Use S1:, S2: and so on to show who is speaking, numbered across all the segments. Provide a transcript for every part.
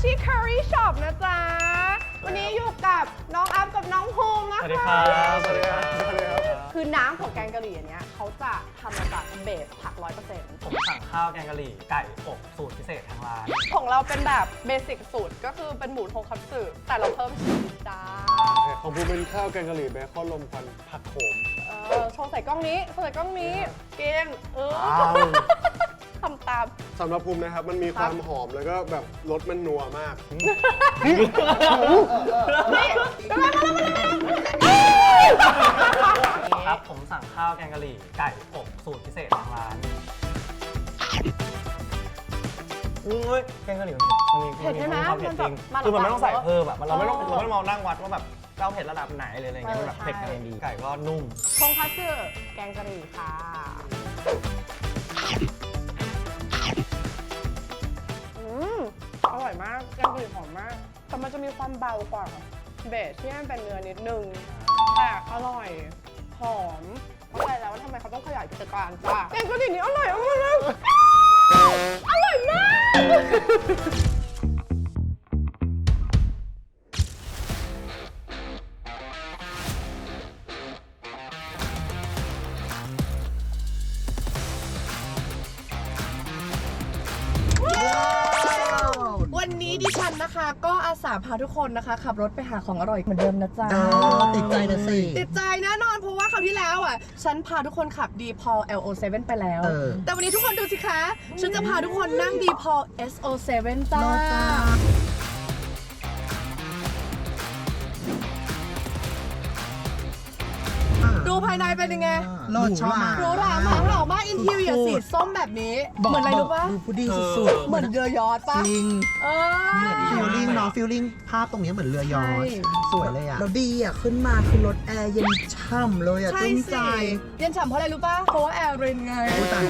S1: Hashi Curry Shop นะจ๊ะวันนี้อยู่กับน้องอัพกับน้องภูมินะคะ
S2: สวัสดีครับสวัสดีครับ
S1: คือน้ำของแกงกะหรี่อันเนี้ยเขาจะทำมาจากเบสผัก 100%
S2: ผมสั่งข้าวแกงกะหรี่ไก่อบสูตรพิเศษทางร้าน
S1: ของเราเป็นแบบเบสิกสูตรก็คือเป็นหมูทงคัตสึแต่เราเพิ่มชีสจ้า
S3: ของภูมิเป็นข้าวแกงกะหรี่เบคอนลมควันผักโขม
S1: โชว์ใส่กล้องนี้โชว์ใส่กล้องนี้เก่งทำตาม
S3: สำหรับภูมินะครับ มันมีความหอมแล้วก็แบบรสมันนัวมาก
S1: นี่
S2: ครับผมสั่งข้าวแกงกะหรี่ไก่อบสูตรพิเศษทางร้านแกงกะหรี่มันมีความเผ็ดจริงคือมันไม่ต้องใส่เพิ่มแบบเราไม่ต้องมองนั่งวัดว่าแบบเราเผ็ดระดับไหนเลยอะไรเงี้ยมันแบบเผ็ดกำลังดีไก่ก็นุ่ม
S1: ทงคัตสึแกงกะหรี่ค่ะอร่อยมากแกงกะหรี่หอมมากแต่มันจะมีความเบากว่าเบสที่มันเป็นเนื้อนิดนึงแต่อร่อยหอมเข้าใจแล้วว่าทำไมเขาต้องขยายกิจการจ้ะแกงกะหรี่นี้อร่อยมากเลยอร่อยมากวันนี้ดิฉันนะคะก็อาสาพาทุกคนนะคะขับรถไปหาของอร่อยเหมือนเดิมนะจ๊ะ
S4: ติดใจนะสิ
S1: ติดใจแน่นอนเพราะว่าคราวที่แล้วอ่ะฉันพาทุกคนขับ D-Pol LO7 ไปแล้ว แต่วันนี้ทุกคนดูสิคะฉันจะพาทุกคนนั่ง D-Pol SO7 จ้าดูภายในเป็นยังไง
S4: รสชอบมาก
S1: หรูหรามากหล่อมากอินทีเรียสีส้มแบบนี้เหมือนอะไรรู้ปะ
S4: ดูพุดดิ้งสุดๆ
S1: เหมือนเรือยอทปะ
S4: จริง ฟิลลิ่ง
S1: เนาะ
S4: เนาะฟิลลิ่งภาพตรงนี้เหมือนเรือยอชต์สวยเลยอ่ะ
S5: แล้วดีอ่ะ ขึ้นมาคือรถแอร์เย็นช่ำเลยอ่ะ
S1: ใช่
S5: ตึ้ง
S1: สิ
S5: ใจ
S1: เย็นฉ่ำเพราะอะไรรู้ป่ะเพราะว่าแอร์รินไง
S4: อุ้ยตาย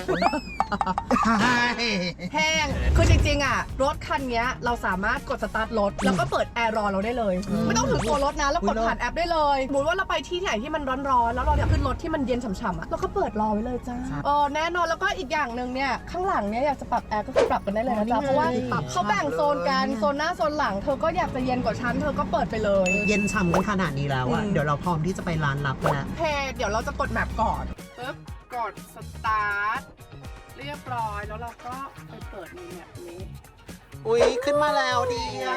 S1: แห้ง คือจริงๆอ่ะรถคันนี้เราสามารถกดสตาร์ทรถแล้วก็เปิดแอร์รอเราได้เลย ไม่ต้องถึงตัวรถนะแล้วกดผ่านแอปได้เลยสมมติว่าเราไปที่ไหนที่มันร้อนๆแล้วเราอยากขึ้นรถที่มันเย็นฉ่ำๆอ่ะเราก็เปิดรอไว้เลยจ้าแน่นอนแล้วก็อีกอย่างหนึ่งเนี่ยข้างหลังเนี่ยอยากจะปรับแอร์ก็คือปรับกันได้เลยนะจ๊ะเพราะว่าเขาแบ่งโซนกันโซนหน้าโซนหลังเธอก็อยากจะเย็นกว่าฉันเธอก็เปิดไปเลย
S4: เย็นฉ่ำกันขนาดนี้แล้วอ่ะ เดี๋ยวเราพร้อมที่จะไปร้านลับแล้ว
S1: เพจเดี๋ยวเราจะกดแมปก่อนปึ๊บกดสตาร์ทเรียบร้อยแล้วเราก็ไปเปิดในแมปนี้
S4: อุ้ยขึ้นมาแล้วดีอ่ะ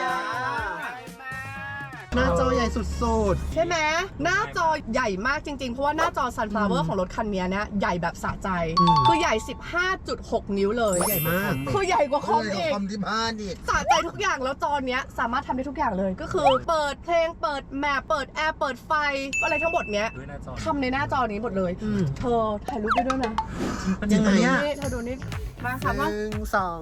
S4: หน้าจอใหญ่สุด
S1: ใช่ไหมหน้าจอใหญ่มากจริงๆ เพราะว่าหน้าจอ Sunflower ของรถคันนี้เนี่ยใหญ่แบบสะใจ คือใหญ่ 15.6 นิ้วเลย
S4: ๆ ใหญ่มาก
S1: คือใหญ่กว่าคอม
S5: เลย
S1: เอง
S5: คอมที่บ้านอีก
S1: สะใจทุกอย่างแล้วจอเนี้ยสามารถทำได้ทุกอย่างเลย ก็คือเปิดเพลงเปิดแมปเปิดแอร์เปิดไฟอะไรทั้งหมดเนี้ย
S2: ด้วยหน้าจอ
S1: ทำในหน้าจอนี้หมดเลย เธอถ่ายรูปได้ด้วยนะ
S4: ยังไงอ่ะ
S1: นี่เธอดูนี่มาค่ะว่า
S4: 1 2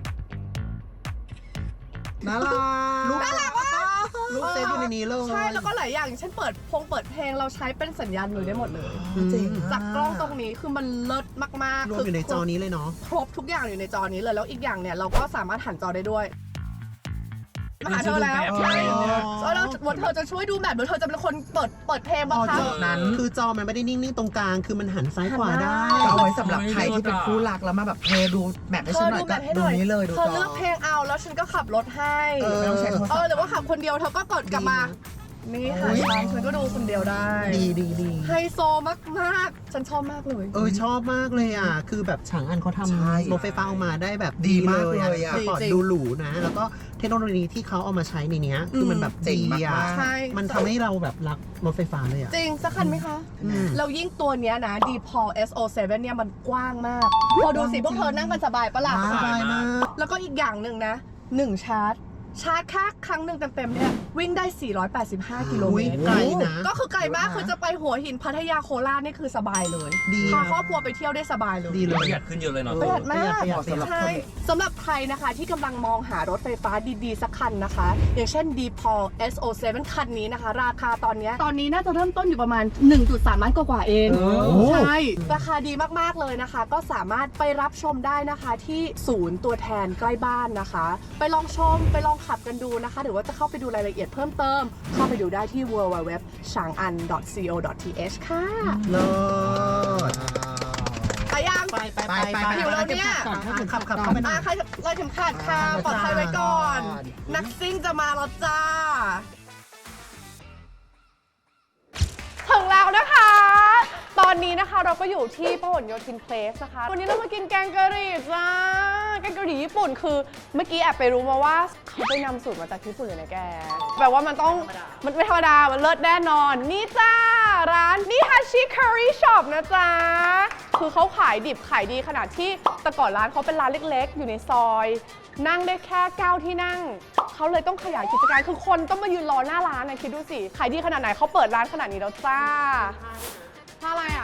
S4: น่ารัก
S1: น่ารักว่ะ
S4: ลูกเซฟอยู่ในนี้เลย
S1: ใช่แล้วก็หลายอย่างอย่างเช่นเปิดเพลงเราใช้เป็นสัญญาณมือได้หมดเลย
S5: จริง
S1: จากกล้องตรงนี้คือมันเลิศมากๆ
S4: รวมอยู่ในจอนี้เลยเนาะ
S1: ครบทุกอย่างอยู่ในจอนี้เลยแล้วอีกอย่างเนี่ยเราก็สามารถหันจอได้ด้วยมาหาเธอแล้ว
S2: ใช่
S1: แล้ววันเธอจะช่วยดูแบบหรือเธอจะเป็นคนเปิดเพลงบ้างคะ
S4: นั้นคือจอมันไม่ได้นิ่งๆตรงกลาง คือมันหันซ้ายขวาได้
S5: ก็เอาไว้สำหรับใครที่เป็นคู่รักแล้วมาแบบดูแมปให้
S1: เธ
S5: ฉั
S1: อน
S5: หน่
S1: ดู
S5: อย
S1: แบ
S5: ก็
S1: บให้ห
S5: ดู
S1: น่อย
S5: นี้เลยดู
S1: เธอ
S5: จอ
S1: เลือกเพลงเอาแล้วฉันก็ขับรถให้
S5: ไม่ต้องใช้โทรศัพท์
S1: หรือว่าขับคนเดียวเธอก็กดกลับมานี่หาช่องฉันก็ดูคนเดียวได้
S4: ดี
S1: ไฮโซมากๆฉันชอบมากเลย
S4: ชอบมากเลยอ่ะ คือแบบฉางอันเขา
S5: ใช่
S4: ทำรถไฟฟ้าออกมาได้แบบ
S5: ดีมากเลยอะ
S4: สปอร์ตดูหรูนะ แล้วก็เทคโนโลยีที่เขาเอามาใช้ในเนี้ยคือมันแบบ
S5: เจ๋ง
S4: ดี
S5: มาก
S4: อ่ะ
S1: ใช่
S4: มันทำให้เราแบบรักรถไฟฟ้าเลยอ่ะ
S1: จริงสักคันไหมคะ เรายิ่งตัวเนี้ยนะ D-Pol SO7 เนี่ยมันกว้างมากพอดูสิพวกเธอนั่งกันสบายปะล่ะ
S4: สบายมาก
S1: แล้วก็อีกอย่างหนึ่งนะ1ชาร์จแค่ครั้งหนึ่งเต็มๆเนี่ยวิ่งได้ 485 กิโลเมตร
S4: ไกลนะ
S1: ก็คือไกลมากคือจะไปหัวหินพัทยาโคราชนี่คือสบายเลย
S4: ดี
S1: พา
S4: นะ
S1: ครอบครัวไปเที่ยวได้สบายเลย
S4: ดีเล
S2: ป
S4: ย
S2: ระหยัดขึ้นเยอะเลยเนาะ
S1: ประหยัดมาก
S4: ประหยัด
S1: ใช่สำหรับใครนะคะที่กำลังมองหารถไฟฟ้าดีๆสักคันนะคะ อย่างเช่น D-Pol SO7 คันนี้นะคะ ราคาตอนนี้น่าจะเริ่มต้นอยู่ประมาณ 1.3 ล้านกว่าๆเองใช่ราคาดีมากๆเลยนะคะ ก็สามารถไปรับชมได้นะคะที่ศูนย์ตัวแทนใกล้บ้านนะคะ ไปลองชมไปลองขับกันดูนะคะหรือว่าจะเข้าไปดูรายละเอียดเพิ่มเติมเข้าไปดูได้ที่ www.changan.co.th ค่ะ
S4: เลิศ
S1: ไปยัง
S4: ไป
S1: หิวแล้วเนี่ย
S4: ขับเข้าไปหน่อย
S1: ใครเลยเข็มขัดค่ะปลอดภัยไว้ก่อน นักซิ่งจะมาแล้วจ้า ถึงแล้วนะคะ ตอนนี้นะคะเราก็อยู่ที่พหลโยธินเพลสนะคะ วันนี้เรามากินแกงกะหรี่จ้า แกงกะหรี่ญี่ปุ่นคือเมื่อกี้แอบไปรู้มาว่าเขาไปนำสูตรมาจากญี่ปุ่นเลยนะแก แปลว่ามันต้องมันไม่ธรรมดา มันเลิศแน่นอน นี่จ้า ร้านนิฮาชิคารีช็อปนะจ๊ะ คือเขาขายดิบขายดีขนาดที่แต่ก่อนร้านเขาเป็นร้านเล็กๆ อยู่ในซอย นั่งได้แค่9ที่นั่ง เขาเลยต้องขยายกิจการ คือคนต้องมายืนรอหน้าร้านนะคิดดูสิ ขายดีขนาดไหนเขาเปิดร้านขนาดนี้แล้วจ้าท่าอะไรอ่ะ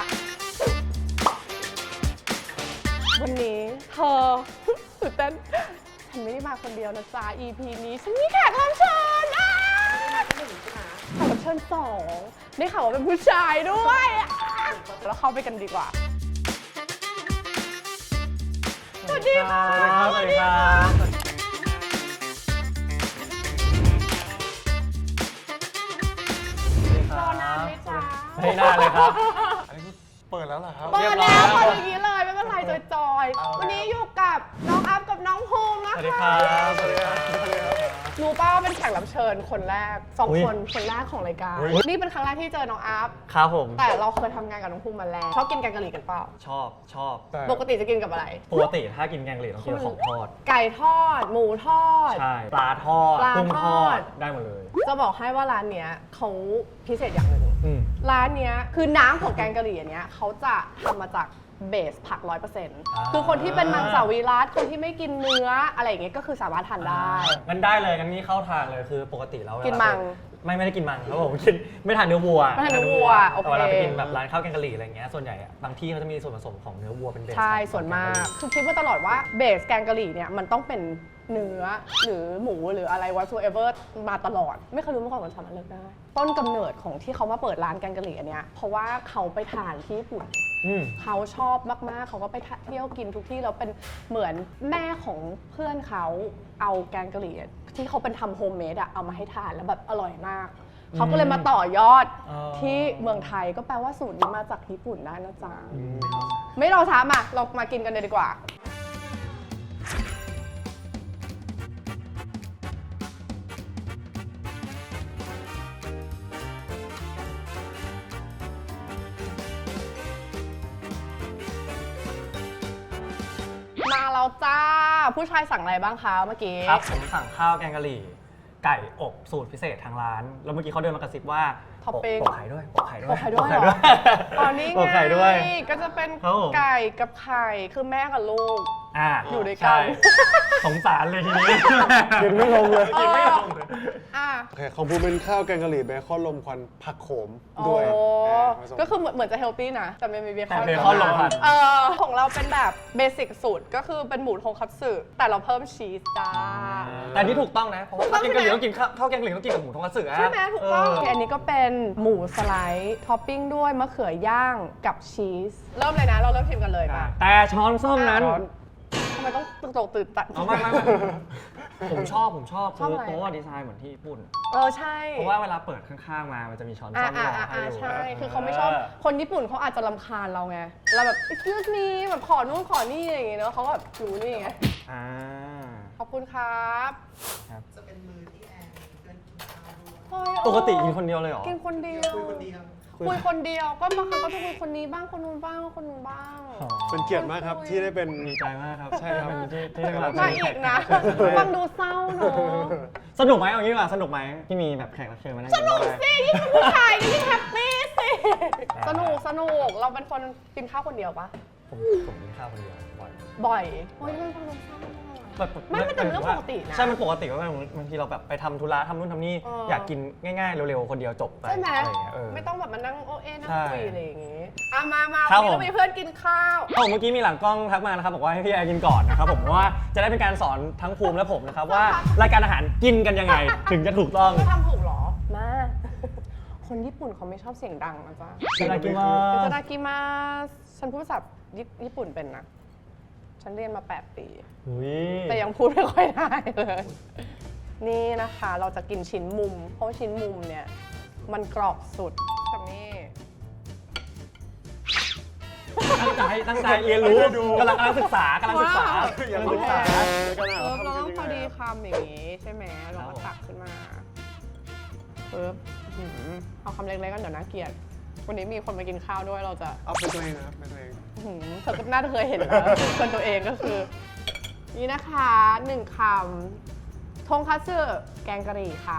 S1: วันนี้เธอ ตื่นเต้นฉันไม่ได้มาคนเดียวนะจ๊ะ EP นี้ฉันมีแขกรับเชิญแขกรับเชิญ2ได้ข่าวว่าเป็นผู้ชายด้วยแล้วเข้าไปกันดีกว่า สวัสดีค่ะ
S2: สวัสดีครับ
S1: รอนานไหมจ๊ะ
S2: ไม่นานเลยครับ
S3: อันนี้เปิดแล้วเหรอครับ
S1: เปิดแล้วเปิดอย่างนี้เลยไม่เป็นไรจอยๆ วันนี้อยู่กับน้องอัพกับน้องภูมินะ
S2: สวัสดีค
S1: คะ
S2: รับ สวัสดีครับ
S1: รู้ป่าวว่าเป็นแขกรับเชิญคนแรกสอง
S2: อุ๊ย
S1: คนแรกของรายการ
S2: อุ๊ย
S1: นี่เป็นครั้งแรกที่เจอน้องอัพ
S2: ครับผม
S1: แต่เราเคยทำงานกับน้องภูมิมาแล้วชอบกินแกงกะหรี่กันเปล่า
S2: ชอบ
S3: แต่
S1: ปกติจะกินกับอะไร
S2: ปกติถ้ากินแกงเหลืองต้องกินกับของทอด
S1: ไก่ทอด หมูทอด
S2: ใช่ ปลาทอด
S1: ปลา
S2: กุ้ง
S1: ท
S2: ท
S1: อ
S2: อ
S1: ด
S2: ด ได้หมดเลย
S1: จะบอกให้ว่าร้านเนี้ยเขาพิเศษอย่างหนึ่ง
S2: อืม
S1: ร้านเนี้ยคือน้ำของแกงกะหรี่อันเนี้ยเขาจะทำมาจากเบสผัก 100%คือคนที่เป็นมังสวิรัติคนที่ไม่กินเนื้ออะไรอย่างเงี้ยก็คือสามารถทานได้
S2: งั้นได้เลยงั้นนี่เข้าทางเลยคือปกติแล้วเวลา
S1: กินมัง
S2: ไม่ได้กินมังครับผมกินไม่ทานเนื้อวัว
S1: ไม่ทานเนื้อวัวโอเค
S2: แต่เวลาไปกินแบบร้านข้าวแกงกะหรี่อะไรเงี้ยส่วนใหญ่อะบางที่เขาจะมีส่วนผสมของเนื้อวัวเป็นเบส
S1: ใช่
S2: ของ
S1: ส่วนมาก
S2: แงกะหรี่
S1: คือคิดว่าตลอดว่าเบสแกงกะหรี่เนี่ยมันต้องเป็นเนื้อหรือหมูหรืออะไร whatsoever มาตลอด ไม่เคยรู้มาก่อนว่าสามารถเลือกได้ ต้นกำเนิดของที่เขามาเปิดร้านแกงกะหรี่อันเนี้ยเพราะว่าเขาไปทานที่ญี่ปุ่น
S2: อืม
S1: เขาชอบมากๆ เขาก็ไปเที่ยวกินทุกที่แล้วเป็นเหมือนแม่ของเพื่อนเขาเอาแกงกะหรี่ที่เขาเป็นทำโฮมเมดอะเอามาให้ทานแล้วแบบอร่อยมาก เขาก็เลยมาต่อยอด
S2: อ๋อ
S1: ที่เมืองไทยก็แปลว่าสูตรนี้มาจากญี่ปุ่นได้นะจ๊ะ ไม่รอช้ามาเรามากินกันเลยดีกว่า มาแล้วจ้า ผู้ชายสั่งอะไรบ้างคะเมื่อกี้
S2: ครับผมสั่งข้าวแกงกะหรี่ ไก่อบสูตรพิเศษทางร้าน แล้วเมื่อกี้เขาเดินมากระซิบว่า
S1: ท็อปปิ้ง
S2: โปะไข่ด้วยโปะไข่ด้วย
S1: โปะไข่ด้วย
S2: โปะไข่ด้วย
S1: อ๋อนี่ไง
S2: โปะไข่ด้วย
S1: ก็จะเป็น
S2: ครับผม
S1: ไก่กับไข่คือแม่กับลูก อยู่ด้วยกัน
S2: ใช่สงสารเลยทีนี้
S3: กินไม่ลงเลย
S2: กินไม่ลงเลย
S1: อ่ะ
S3: โอเคของผมเป็นข้าวแกงกะหรี่เบคอนลมควันผักโขม
S1: โอ้
S3: ด้วยผสม
S1: ก็คือเหมือนจะเฮลตี้นะ แต่ไม่มีเบคอน
S2: แต่เบคอนลงผัด
S1: ของเราเป็นแบบเบสิกสูตรก็คือเป็นหมูทงคัตสึแต่เราเพิ่มชีสจ้า
S2: แต่นี่ถูกต้องนะ เพราะว่า
S1: ถูกต้
S2: ข้า
S1: อง
S2: วแกงกะหรี่
S1: ใช่ไหม
S2: ต้องกินข้าวแกงกะหรี่ต้องกินกับหมูทงคัตสึอะ
S1: ใช่ไหมถูกต้อง
S2: เ
S1: อันนี้ก็เป็นหมูสไลด์ท็อปปิ้งด้วยมะเขือย่างกับชีส เริ่มเลยนะ เราเริ่มชิมกันเลยป่ะ
S2: แต่ช้อนส้อมนั้น
S1: ทำไมต้องตื่นตัน
S2: เอาไม่ผมชอบ
S1: ชอบอะไร
S2: เพราะว่าดีไซน์เหมือนที่ญี่ปุ่น
S1: ใช่
S2: เพราะว่าเวลาเปิดข้างๆมา มันจะมีช้อนส้อมรอให้อยู่
S1: ใช่ คือเขาไม่ชอบ คนญี่ปุ่นเขาอาจจะรำคาญเราไง เราแบบ excuse me แบบขอนู่นขอนี่อะไรอย่างเงี้ยเนอะเขาก็แบบรู้นี่ไง
S2: อ่า
S1: ขอบคุณครับ
S4: จะเป็นมือที่แอนเพื่อนกินข้าวด้วย
S1: เฮ้ย
S2: ปกติกินคนเดียวเลยเหรอ
S1: กินคนเดียว
S4: คุยคนเดียว
S1: คุยคนเดียว ก็บางครั้งก็จะคุยคนนี้บ้าง คนนู้นบ้าง คนนู้นบ้าง
S2: อ๋อ
S3: เป็นเกียรติมากครับที่ได้เป็น
S2: ดีใจมากครับ
S3: ใช่ครับ
S2: ที่ได้รับ
S1: มาอีกนะ ฟังดูเศร้าเนอะ
S2: สนุกไหมเอางี้ดีกว่าสนุกไหมที่มีแบบแขกรับเชิญมานั่ง
S1: สนุกสิยิ่งเป็นผู้ชายก็ยิ่งแฮปปี้สิ สนุก เราเป็นคนกินข้าวคนเดียวปะ
S2: ผมกินข้าวคนเดียวบ่อย
S1: บ่อยโอ้ยมันฟังดูเศร้าอะไม่มันเป็นเรื่องปกตินะ
S2: ใช่มันปกติว่าบางทีเราแบบไปทำธุระทำนู่นทำนี่ อยากกินง่ายๆเร็วๆคนเดียวจบไป
S1: ใช่ไหม
S2: อะไรอย่างเงี้ย
S1: ไม่ต้องแบบมานั่งโอเอนั่ง
S2: ใช่
S1: คุยอะไรอย่างงี้อ่ะมา
S2: ครับ
S1: วันนี้
S2: ผม
S1: เรามีเพื่อนกินข้าว
S2: เมื่อกี้มีหลังกล้องทักมานะครับบอกว่าให้พี่แอร์กินก่อนนะครับผมเพราะว่าจะได้เป็นการสอนทั้งภูมิและผมนะครับว่ารายการอาหารกินกันยังไง ถึงจะถูกต้อง
S1: ไม่ทำถูกเหรอ มา คนญี่ปุ่นเขาไม่ชอบเสียงดังนะจ๊ะ
S2: いただきま
S1: อิ
S2: す
S1: ตาดากิมาสฉันพูดภาษาญี่ปุ่นเป็นนะ ฉันเรียนมา 8 ปี
S2: อุ๊ย
S1: แต่ยังพูดไม่ค่อยได้เลย นี่นะคะเราจะกินชิ้นมุม เพราะว่าชิ้นมุมเนี่ย มันกรอบสุดกับนี่
S2: ตั้งใจเรียนรู้กำลังศึกษากำลังศึกษา
S3: อย่าศึกษาในขณะ
S1: เรา
S3: ทำ
S1: ต้อง
S3: เป็น
S1: พอ
S3: ยังไง
S1: ดีคำอย่างนี้ใช่ไหมเราก็ตักขึ้นมาปึ๊บเอาคำเล็กๆกันเดี๋ยวน่าเกลียดวันนี้มีคนมากินข้าวด้วยเราจะ
S3: เอาเป็นตัวเองนะครับเป็นตัวเอง
S1: เธอก็น่าจะเคยเห็นแล้วคนตัวเองก็คือ นี่นะคะ1 คำทงคัตสึแกงกะหรี่ค่ะ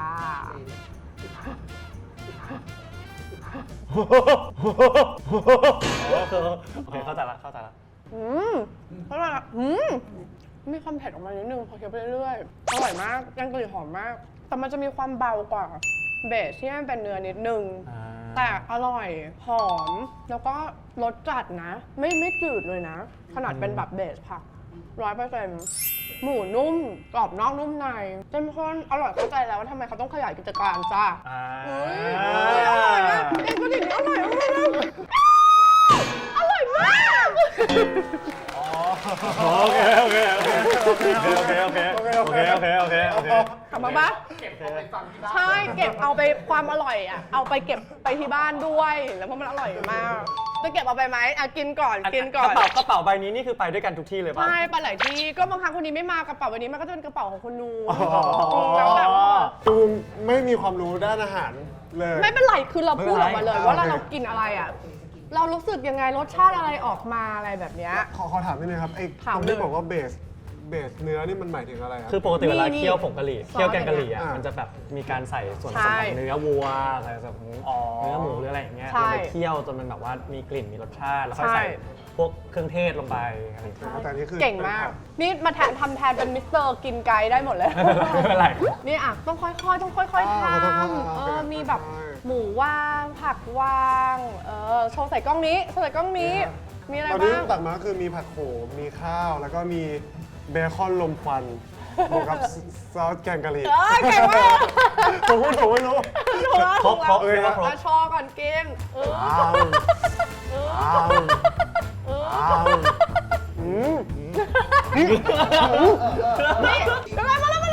S2: โอเคเข้าใจละ
S1: เพราะว่ามีความเผ็ดออกมานิดนึงพอเคี้ยวไปเรื่อยๆอร่อยมากแกงกะหรี่หอมมาก แต่มันจะมีความเบากว่าเบสที่มันเป็นเนื้อนิดนึง แต่อร่อยหอมแล้วก็รสจัดนะ ไม่จืดเลยนะ ขนาดเป็นแบบเบสผัก100%หมูนุ่มกรอบนอกนุ่มในเข้มข้นอร่อยเข้าใจแล้วว่าทำไมเขาต้องขยายกิจการจ้าอร่อยนะเองก็ดิ่งอร่อยมากอร่อยมาก
S2: โอเค
S1: กลับมาปะใช่เก็บเอาไปความอร่อยอ่ะเอาไปเก็บไปที่บ้านด้วยแล้วเพราะมันอร่อยมากจะเก็บเอาไปไหมกินก่อน
S2: กระเป๋าใบนี้นี่คือไปด้วยกันทุกที่เลยป่ะ
S1: ใช่ไปหลายที่ก็บางครั้งคนนี้ไม่มากระเป๋าใบนี้มันก็จะเป็นกระเป๋าของคนนู้นแล้วแบบ
S3: ตูมไม่มีความรู้ด้านอาหารเลย
S1: ไม่เป็นไรคือเราพูดออกมาเลยว่าเรากินอะไรอ่ะเรารู้สึกยังไงรสชาติอะไรออกมาอะไรแบบเนี้ย
S3: ขอถามนิดนึงครับไอ้
S1: ถาม
S3: คำ
S1: เลย
S3: ที่บอกว่าเบสเนื้อนี่มันหมายถึงอะไรครับ
S2: คือปกติเวลาเคี่ยวผงกะหรี่
S1: ซอส
S2: เคี่ยวแกงกะหรี่อ่ะ
S3: อ่ะ
S2: มันจะแบบมีการใส่ส่วนผ
S1: ใช่
S2: สมของเนื้อวัวใส่ส่วนของเนื้อหมูหรืออะไรอย่างเงี้ย
S1: ใช่
S2: ลงไปเคี่ยวจนมันแบบว่ามีกลิ่นมีรสชาติแล้วค่อย
S1: ใช่
S2: ใส่พวกเครื่องเทศลงไปอะไรอย่างเงี้ย
S3: แต่นี่คือ
S1: เก่งมาก นี่มาทำแทนเป็นมิสเตอร์กินไกด์ได้หมดเลย
S2: ไม่เป็นไร
S1: นี่อ่ะต้องค่อยๆต้องค่อยๆทำมีแบบหมูว่างผักว่างโชว์ใส่กล้องนี้มีอะไร
S3: ตอนนี้
S1: บ้าง
S3: ตักมาคือมีผักโขมมีข้าว แล้วก็มีเบคอนลมควันบวกกับซอสแกงกะหรี่
S1: เก่งมาก
S3: ผมไม่รู้
S1: ถูกแล้ว
S2: ครบ
S1: แล้วชอก่อนกิน
S3: อ้าว
S1: นี่มาแล้ว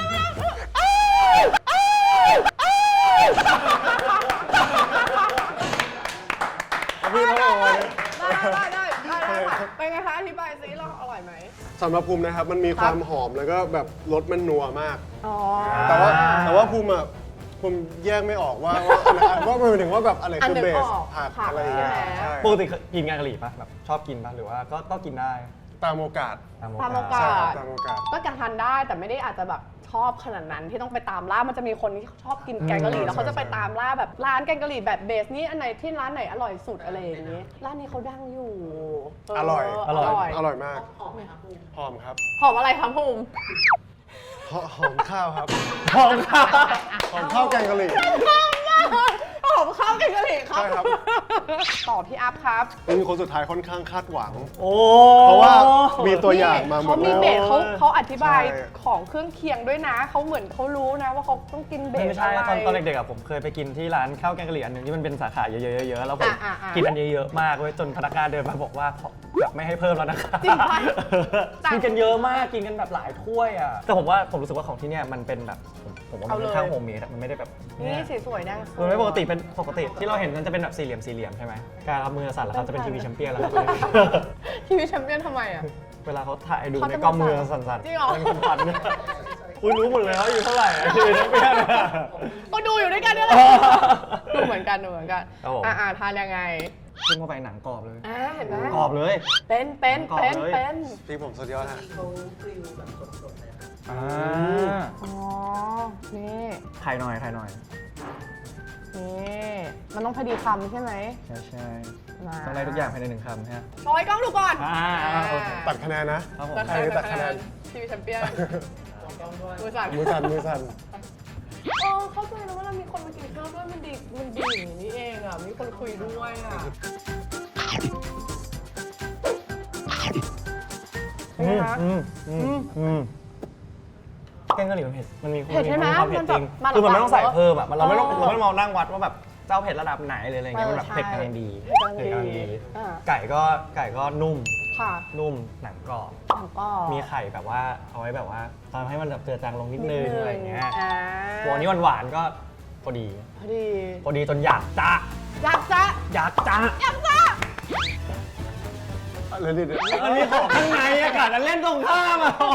S1: ได้เป็นไงคะอธิบายซิเราอร่อยไหม
S3: สำหรับภูมินะครับมันมีความหอมแล้วก็แบบรสมันนัวมาก
S1: อ๋อ
S3: แต่ว่าภูมิแยกไม่ออกว่าว่ามันถึงว่าแบบอะไรคือเบสผักอะไรอย่างเงี้ยใช่
S2: ปกติกินแกงกะหรี่ป่ะแบบชอบกินป่ะหรือว่าก็กินได้
S3: ตามโอกาส
S1: ตามโอกา
S3: ใช่
S1: ส
S3: ตามโอกาส
S1: ก็การทานได้แต่ไม่ได้อาจจะแบบชอบขนาดนั้นที่ต้องไปตามล่ามันจะมีคนที่ชอบกินแกงกะหรี่แล้วเขาจะไปตามล่าแบบร้านแกงกะหรี่แบบเบสนี่อันไหนที่ร้านไหนอร่อยสุดอะไรอย่างนี้ร้านนี้เขาดังอยู่
S3: อร่อย
S2: อร่อย
S3: อร่อยมากหอมครับ
S1: หอมอะไรครับภูมิ
S3: หอมข้าวครับ
S2: หอมค่ะ
S3: หอมข้าวแกงกะหรี่
S1: หอมข้าวแกงกะหรี่ครับ
S3: ใช่ครับ
S1: ต่อพี่อัพครับ
S3: เป็นคนสุดท้ายค่อนข้างคาดหวัง
S2: โอ้
S3: เพราะว่ามีตัวอย่างมาหมด
S1: เขามี
S3: แล้ว
S1: เบสเขาอธิบาย
S3: ใช่
S1: ของเครื่องเคียงด้วยนะเขาเหมือนเขารู้นะว่าเขาต้องกินเบส
S2: ไม่ใช่
S1: อะไร
S2: ตอนเด็กๆอะผมเคยไปกินที่ร้านข้าวแกงกะหรี่อันหนึงที่มันเป็นสาขาเยอะๆแล้วผม
S1: อ่ะ
S2: กินอันเยอะๆมากเว้ยจนพนักงานเดินมาบอกว่าแบบไม่ให้เพิ่มแล้วนะคะ
S1: จริงปะ
S2: กินกันเยอะมากกินกันแบบหลายถ้วยอ่ะแต่ผมรู้สึกว่าของที่เนี่ยมันเป็นแบบผมว่ามันค่อนข้างโฮมเมดอะมันไม่ได้แบบ
S1: นี่สีสวยนะ
S2: มันไม่ปกติที่เราเห็นมันจะเป็นแบบสี่เหลี่ยมใช่ไหมการเอามือสั่นแล้วครับจะเป็นทีวีแชมเปี้ยนแล้วครับ
S1: ทีวีแชมเปี้ยนทำไมอ่ะ
S2: เวลาเขาถ่ายดู
S1: เขา
S2: ใน
S1: จะ
S2: กล้องมือ
S1: มาสั่
S2: สั่
S1: น
S2: นๆ
S1: จริงเหรอ
S2: เป็นคนๆเนี่ยคุณรู้หมดเลยว่าอยู่เท่าไหร่อะทีวีแชมเปี้ยนอะ
S1: ก็ดูอยู่ด้วยกันนี่แหละดูเหมือนกัน
S2: ครับผม
S1: ทานยังไง
S2: ขึ้นเข้าไปหนังกรอบเลย
S1: เห็นไหม
S2: กรอบเลย
S1: เป็น
S2: กรอบเลย
S3: พี่ผมสุดยอดฮะ
S2: อ่า
S1: อ๋อ นี่
S2: ถ่ายหน่อย
S1: นี่ มันต้องพอดีคำใช่ไหม
S2: ใช่
S1: มา
S2: ต้องได้ทุกอย่างภายในหนึ่งคำฮะ
S1: โชว์ให้กล้องดูก่อน
S2: โอเค
S3: ตัดคะแนนนะครับ
S2: ผม
S3: ใครตัดคะแนน
S1: ทีวีแชมเปี้ยนมือสั่น
S3: มือสั่น
S1: เข้าใจแล้วว่าเรามีคนมากินข้าวด้วยมันดีอย่างนี้เองอ่ะ มีคนคุยด้วยอ่ะเป็นไงคะ
S2: แกงกะหรี่มันเผ็ด มันมี
S1: เผ็ดใช่ไหม
S2: ความเผ็ดจริง
S1: มันแบบ
S2: คือมันไม่ต้องใส่เพิ่มอ่ะ เราไม่ต้อง
S1: เออ
S2: เราไม่ต้องมานั่งวัดว่าแบบเจ้าเผ็ดระดับไหนเลยอะไรเงี้ย มันแบบ
S1: ใช่
S2: เผ็ดกำลังดี
S1: เผ็ดกำลังดีอ่า
S2: ไก่ก็นุ่ม
S1: ค่ะ
S2: หนังกรอบ
S1: แล้วก็
S2: มีไข่แบบว่าเอาไว้แบบว่าทำให้มันแบบเจือจางลงนิดนึงอะไรเงี้ย
S1: อ่า
S2: ตัวนี้หวานๆก็พอดี
S1: พอดี
S2: จนอยากจะ
S1: อยากจะ
S2: อยากจะ
S1: อยากจะ
S3: อะไรดิเนี่ย
S2: มันมีของข้างในอากาศมันเล่นตรงข้ามอ่ะ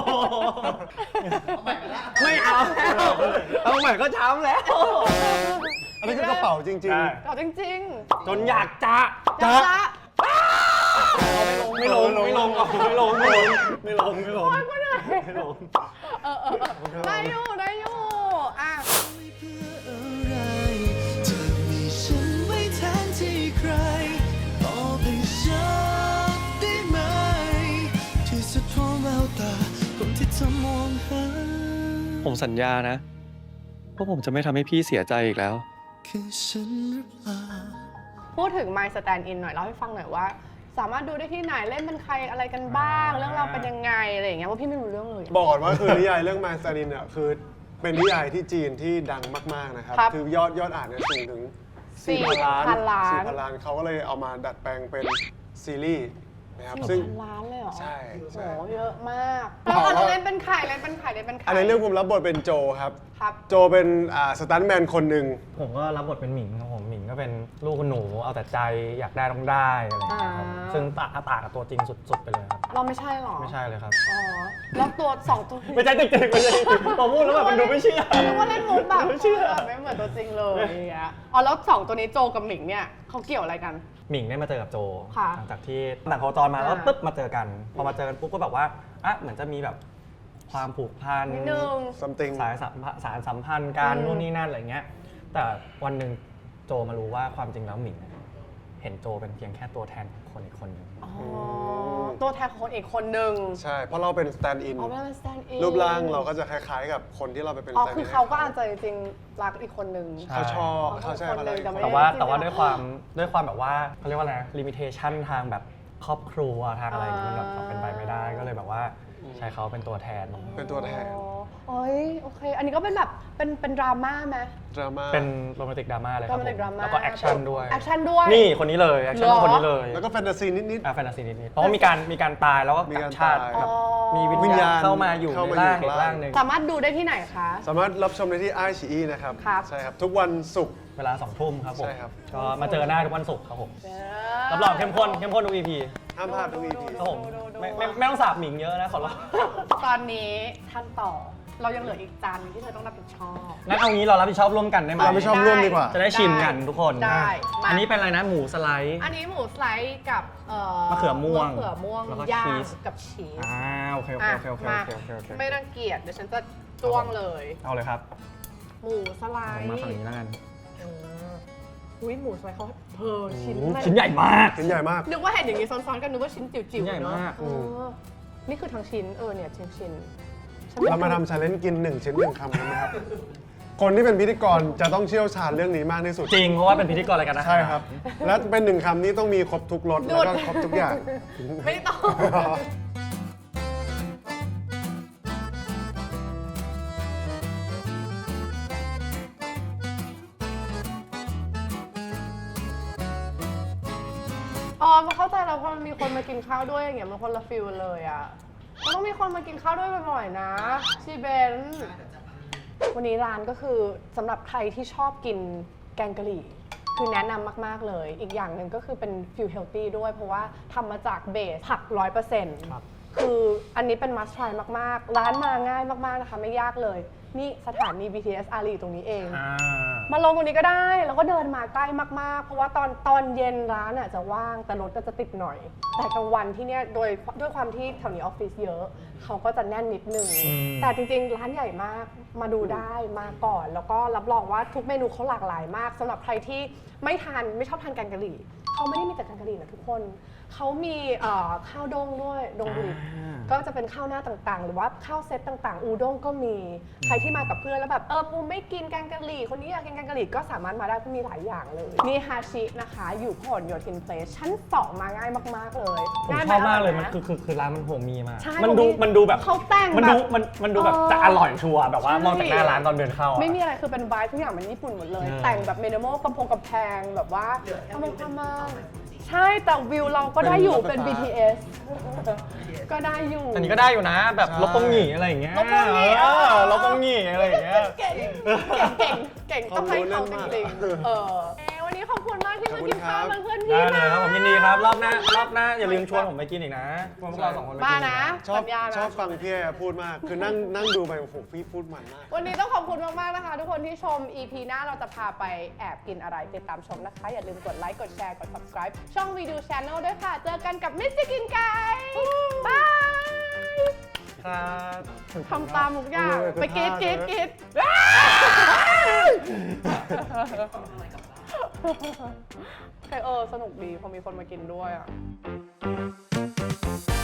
S2: ไม่เอาแล้วเอาใหม่ก็ช้ำแล้ว
S3: อันนี้คือกระเป๋าจริง
S1: เอาจริง
S2: จนอยากจะ
S1: ๆจะ
S2: ไม่ลงไม่ลงไม่ลงไม่ลงไม่ลงไม่ลงไม่ลง
S1: ได้อยู่อ่ะ
S6: อะไรเธอมีฉันไว้แทนที่ใครตอบให้ฉันได้ไหมที่สุดของแววตาคนที่เธอมองหา
S7: ผมสัญญานะว่าผมจะไม่ทำให้พี่เสียใจอีกแล้ว
S6: คือฉันหรือเปล่า
S1: พูดถึง My Stand In หน่อยเล่าให้ฟังหน่อยว่า สามารถดูได้ที่ไหนเล่นเป็นใครอะไรกันบ้าง เรื่องราวเป็นยังไงอะไรอย่างเงี้ยว่าพี่ไม่รู้เรื่องเลย
S3: ๆ บอกก่อนว่าคือนิยายเรื่องมาซาดินเนี่ยคือเป็นนิยายที่จีนที่ดังมากๆนะครับ
S1: ครับ
S3: คือยอดอ่านเนี่ยสูงถึง 4,000 ล้าน
S1: 4,000 ล้าน
S3: 4,000 ล้านเขาก็เลยเอามาดัดแปลงเป็นซีรีส์นะครับ
S1: 4,000
S3: ซึ่ง
S1: ล้านเลยเหรอ
S3: ใช่
S1: โห
S3: ใช่
S1: เยอะมากแล้วเราเล่นเป็นใคร
S3: อันในเรื่องผมรับบทเป็นโจครับ
S1: ครับ
S3: โจเป็นสตันท์แมนคนหนึ่ง
S2: ผมก็รับบทเป็นหมิงครับผมหมิงก็เป็นลูกคุณหนูเอาแต่ใจอยากได้ต้องได้อะไรอย่างเงี้ยครับซึ่งต่างกับตัวจริงสุดๆไปเลยครับ
S1: เราไม่ใช่หรอ
S2: ไม่ใช่เลยครับ
S1: อ๋อแล้วตัว2 ตัว
S2: ไม่ใช่จริงๆไม่ใช่จริงๆพอพูดแล้วแบบมันดูไม่เชื่อ
S1: นึกว่าเล่นมุกแบบ
S2: ไม่เชื่อ
S1: ไม่เหมือนตัวจริงเลยอย่างเงี้ยอ๋อแล้ว2 ตัวนี้โจกับหมิงเนี่ยเขาเกี่ยวอะไรกัน
S2: หมิงได้มาเจอกับโจ
S1: ค่ะ
S2: หลังจากที่หนังโคจรมาแล้วปุ๊บมาเจอกัน พอมาเจอกันปุ๊บก็แบบว่าอ่ะเหมือนจะมีแบบความผูกพัน
S1: นิดนึง
S3: something
S2: สารสัมพันธ์การ
S1: อืม
S2: นู่นนี่นั่นอะไรเงี้ย แต่วันหนึ่งโจมารู้ว่าความจริงแล้วหมิงเห็นโจเป็นเพียงแค่ตัวแทนของคนอีกคนหนึง
S1: อ๋อตัวแทนของคนอีกคนนึง
S3: ใช่ เพราะเราเป็นสแตนด์อิน
S1: อ๋อไม่ได้เป็น stand in
S3: รูปร่างเราก็จะคล้ายๆกับคนที่เราไปเป็น
S1: อ๋อ
S3: stand in
S1: คือเขาก็อาจจะจริงๆรักอีกคนนึง
S3: เขาชอบเขาใช่
S1: คน
S3: เขา
S1: หนึ่
S3: เลย
S1: งแต่ไม่
S2: แต่ว่าด้วยความแบบว่าเขาเรียกว่าอะไรลิมิเ t ชันทางแบบครอบครัวทางอะไรอย่างเงี้ยมันแบบเป็นไปไม่ได้ก็เลยแบบว่าใช้เขาเป็นตัวแทน
S3: เป็นตัวแทน
S1: อ๋อโอ้ยโอเค อันนี้ก็เป็นแบบเป็นดราม่าไหม
S3: ดราม่า
S2: เป็นโรแมนติกดราม่าเลยครับผม
S1: romantic drama
S2: แล้วก็แอคชั่นด้วย
S1: แอคชั่นด้วย
S2: นี่คนนี้เลยแอคชั่น
S1: เหรอ
S2: คนนี้เลย
S3: แล้วก็แฟนตาซีนิด
S2: แฟนตาซีนิดๆเพราะว่ามีการตายแล้วก็
S3: มี
S2: ก
S3: การ
S2: ลับชาติ
S3: ตาย
S2: แบบ
S1: อ๋อ
S2: มีวิ
S3: วิ
S2: ญ
S3: ญ
S2: ญา
S3: ญา
S2: ณ
S3: ณ
S2: เข้ามาอยู่
S3: เข้า
S2: ใน
S3: มา
S2: ร่าง
S3: อยู่
S2: อีกร่างหนึ่ง
S1: สามารถดูได้ที่ไหนคะ
S3: ๆ สามารถรับชมได้ที่ไอชีอีนะครับ
S1: ครับ
S3: ใช่ครับ ทุกวันศุกร์
S2: เวลา2 ทุ่มครับผม
S3: ใช่ครับ
S2: ก็มาเจอหน้าทุกวันศุกร์ครับผมรับรองเข้มข้นทุก EP
S3: ห้ามพลาดทุก EP
S2: ครับผมไม่ต้องสาบหมิงเยอะนะขอร้อง
S1: ตอนนี้ท่านต่อ เรายังเหลืออีกจานหนึงที่เธอต้องรับผิดชอบ
S2: งั้นเอางี้เรารับผิดชอบร่วมกันได้ไหม
S3: เราไม่ชอบร่วมดีกว่า
S2: จะได้ชิมกันทุกคน
S1: ได้มา
S2: อันนี้เป็นอะไรนะหมูสไลด์
S1: อันนี้หมูสไลด์กับ
S2: มะเขือม่วง
S1: มะเขือม่วง
S2: แล้วก็
S1: ย่า
S2: ชี
S1: ง
S2: ส
S1: กับชีส
S2: โอเค
S1: อ่ะ
S2: โอเค
S1: มา
S2: โอเค
S1: ไม่รังเกียจเดี๋ยวฉันจะจ้วงเลย
S2: เอาเลยครับ
S1: หมูสไล
S2: ผม
S1: ด์
S2: มาฝั่งนี้แล้วกัน
S1: อุ้ยหมูสไลด์เขาชิ้น
S2: ชิ้นใหญ่มาก
S3: ชิ้นใหญ่มาก
S1: นึกว่าเห็นอย่างนี้ซ้อนๆกันนึกว่าชิ้นจิ๋วๆ
S2: ชิ้นใหญ่
S1: เนอะ
S2: มาก
S1: เออนี่คือทั้งชิ้นเนี่ยชิ้น
S3: เรามาทำชาเลนจ์กิน1 ชิ้น 1 คำกันไหมครับ คนที่เป็นพิธีกรจะต้องเชี่ยวชาญเรื่องนี้มากที่สุด
S2: จริงเพราะว่าเป็นพิธีกรรายการอาหาร
S3: ใช่ครับ และเป็น1 คำนี้ต้องมีครบทุกรสแล้วก็ครบทุกอย่าง
S1: ไม่ต้อง อ๋อมาเข้าใจแล้วพอมันมีคนมากินข้าวด้วยอย่างเงี้ยมันคนละฟิลเลยอ่ะมันต้องมีคนมากินข้าวด้วยบ่อยๆนะชีเบนวันนี้ร้านก็คือสำหรับใครที่ชอบกินแกงกะหรี่คือแนะนำมากๆเลย อีกอย่างหนึ่งก็คือเป็นฟิลเฮลตี้ด้วยเพราะว่าทำมาจากเบสผัก 100%
S2: ครับ
S1: คืออันนี้เป็น must try มากๆ ร้านมาง่ายมากๆนะคะไม่ยากเลย นี่สถานี BTS อารีตรงนี้เอง มาลงตรงนี้ก็ได้ แล้วก็เดินมาใกล้มากๆ เพราะว่าตอนเย็นร้านจะว่างแต่รถก็จะติดหน่อย แต่กลางวันที่เนี่ยด้วยความที่แถวนี้ออฟฟิศเยอะ เขาก็จะแน่นนิดนึง แต่จริงๆ ร้านใหญ่มากมาดูได้มาก่อน แล้วก็รับรองว่าทุกเมนูเขาหลากหลายมากสำหรับใครที่ไม่ชอบทานแกงกะหรี่เขาไม่ได้มีแต่แกงกะหรี่นะทุกคนเขามีข้าวด้งด้วยดงบุรีก็จะเป็นข้าวหน้าต่างๆ หรือว่าข้าวเซตต่างๆ อูด้งก็มีใครที่มากับเพื่อนแล้วแบบปูไม่กินแกงกะหรี่คนนี้อยากกินแกงกะหรี่ก็สามารถมาได้เพราะมีหลายอย่างเลยนี่ฮาชินะคะอยู่พหลโยธินเพลสชั้น 2 มาง่ายมากๆเลย
S2: ผม
S1: ง่ยไห
S2: ชอบมากเลย
S1: ร่
S2: มัน
S1: ไห
S2: คือร้านมันโฮมมีมาก
S1: ใช่
S2: มันดูแบบ
S1: เขาแต่ง
S2: มัน
S1: แบ
S2: ดู
S1: บ
S2: มันดูแบบจะอร่อยชัวร์แบบว่ามองจากหน้าร้านตอนเดินเข้าอะ
S1: ไม่มีอะไรคือเป็นไวท์ทุกอย่างมันญี่ปุ่นหมดเลย แต่งแบบมินิมอลกำแพงแบบว่าทำมาใช่แต่วิวเราก็ได้อยู่เป็น BTS ก็ได้อยู่
S2: อันนี้ก็ได้อยู่นะ แบบ
S3: ใช่
S2: ลบปงหงีอะไรอย่างเงี้ย
S1: ลบปงหงี่
S2: ลบปงหงีอะไรอย่างเงี้ย
S1: เก่งต้องให้เขาจริงๆวันนี้ขอบคุณมากที่มากินข้าวเป็นเพื่อนพี่
S2: ได้เลย
S1: นะครับ
S2: ผมยินดีครับรอบหน้าอย่าลืมชวนผมไปกินอีกนะพวกเราสองคนไปกิน
S1: มา
S2: อีก
S1: นะ
S3: ชอบ
S1: สัญญานะ
S3: ชอบฟังพี่แอร์พูดมาก คือนั่งดูไปโอ้โหพี่พูดมันมาก
S1: วันนี้ต้องขอบคุณมากๆนะคะ ทุกคนที่ชม EP หน้าเราจะพาไปแอบกินอะไรติดตามชมนะคะ อย่าลืมกดไลค์กดแชร์กด subscribe ช่องวีดู Channel ด้วยค่ะ เจอกันกับมิสซิกินไก่บาย
S2: ครับ
S1: ทำตามทุกอย่างไปกรีดสนุกดีพอมีคนมากินด้วยอ่ะ